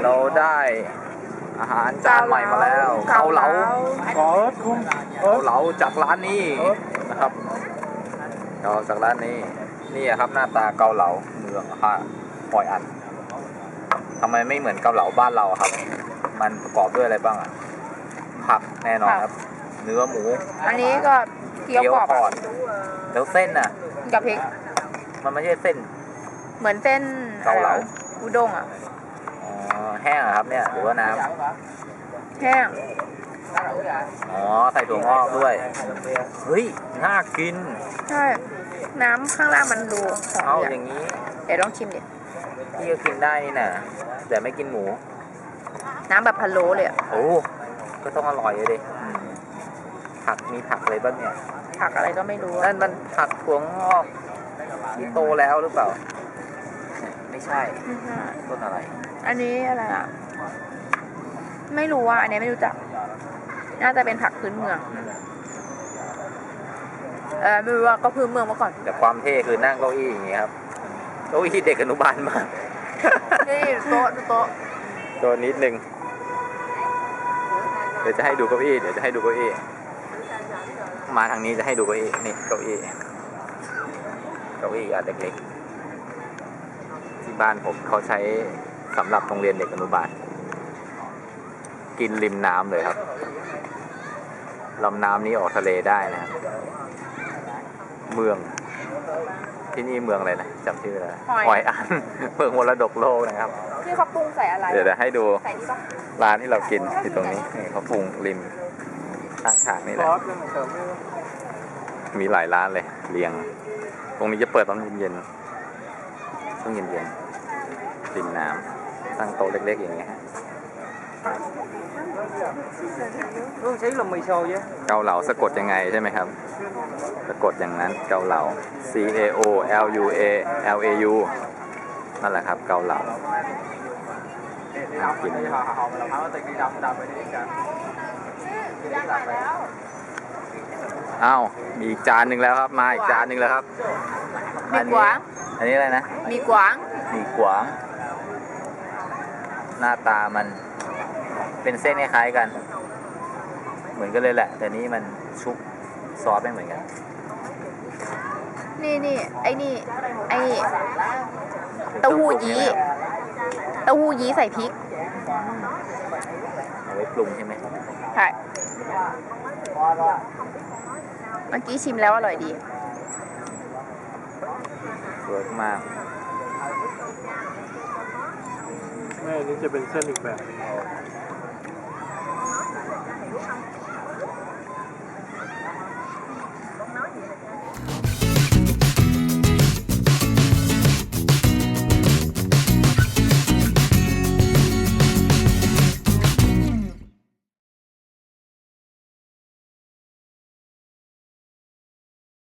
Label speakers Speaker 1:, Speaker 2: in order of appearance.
Speaker 1: เราได้อาหารจานใหม่มาแล้วเกาเหลาเกาเหลาจากร้านนี้นะครับเกาจากร้านนี้นี่ครับหน้าตาเกาเหลาเมืองปอยอัดทำไมไม่เหมือนเกาเหลาบ้านเราครับมันประกอบด้วยอะไรบ้างผักแน่นอนครับเนื้อหมู
Speaker 2: อันนี้ก็เกี๊ยวกรอบ
Speaker 1: แล้วเส้นน่ะ
Speaker 2: กับพริก
Speaker 1: มันไม่ใช่เส้น
Speaker 2: เหมือนเส้น
Speaker 1: เกาเหลา
Speaker 2: อุด้งอ่ะ
Speaker 1: อ๋อแห้งเหรอครับเนี่ยหรือว่าน้ำ
Speaker 2: แห้ง
Speaker 1: อ๋อใส่ถั่วงอกด้วยเฮ้ยน่ากิน
Speaker 2: ใช่น้ำข้างล่างมันดูหอ
Speaker 1: เอา
Speaker 2: ม
Speaker 1: อย่างนี้
Speaker 2: เดี๋ยวลองชิมดิ
Speaker 1: พี่ก็กินได้นี่นะแต่ไม่กินหมู
Speaker 2: น้ำแบบพะโล้เลยอ่ะ
Speaker 1: โอ้ก็ต้องอร่อยเลยดิผักมีผักอะไรบ้างเนี่ย
Speaker 2: ผักอะไรก็ไม่รู้
Speaker 1: นั่นมันผักถั่วงอกที่โตแล้วหรือเปล่าไม่ใช่
Speaker 2: ไม่ใช่
Speaker 1: ต้นอะไร
Speaker 2: อันนี้อะไรอ่ะไม่รู้อ่ะอันนี้ไม่รู้จักน่าจะเป็นผักพื้นเมืองไม่รู้ว่าก็พื้นเมืองมาก่อน
Speaker 1: แต่ความเท่คือนั่งเก้าอี้อย่างเงี้ยครับเก้าอี้เด็กอนุบาลมาก
Speaker 2: นี่โต๊ะดูโต๊ะ
Speaker 1: ตัวนิดนึงเดี๋ยวจะให้ดูเก้าอี้มาทางนี้จะให้ดูเก้าอี้นี่เก้าอี้อันเล็กๆที่บ้านผมเขาใช้สำหรับโรงเรียนเด็กอนุบาลกินริมน้ำเลยครับลำน้ำนี้ออกทะเลได้นะครับเมืองที่นี่เมืองอะไรนะจำชื่ออะไรหอยอัน เมืองมรดกโลกนะครับ
Speaker 2: ที่เขาปรุงใส่อะไร
Speaker 1: เดี๋ยวจะให้ดู
Speaker 2: ใส่นี่ปะ
Speaker 1: ร้านที่เรากินที่ตรงนี้นี่เขาปรุงริมข้างทางนี่แหละมีหลายร้านเลยเรียง ตรงนี้จะเปิดตอนเย็นๆช่วงเย็นๆริมน้ำตั้งโต๊ะเล็กๆอย่างเงี้ยเกาเหลาสะกดยังไงใช่ไหมครับสะกดอย่างนั้นเกาเหลา C A O L U A L A U นั่นแหละครับเกาเหลากินอ้าวมีอีกจานหนึ่งแล้วครับมาอีกจานหนึ่งแล้วครับ
Speaker 2: มีกวาง
Speaker 1: อันนี้อะไรนะ
Speaker 2: มีกวาง
Speaker 1: มีกวางหน้าตามันเป็นเส้นคล้ายๆกันเหมือนกันเลยแหละแต่นี้มันชุบซอสไม่เหมือนกัน
Speaker 2: นี่ไอ้นี่เต้าหู้ยี้ใส่พริก
Speaker 1: เอาไว้ปรุงใช่ไหม
Speaker 2: ใช่เมื่อกี้ชิมแล้วอร่อยดี
Speaker 1: เวิร์กมาก
Speaker 3: แม่นี่จะเป็นเส้นอีกแบบ
Speaker 1: อ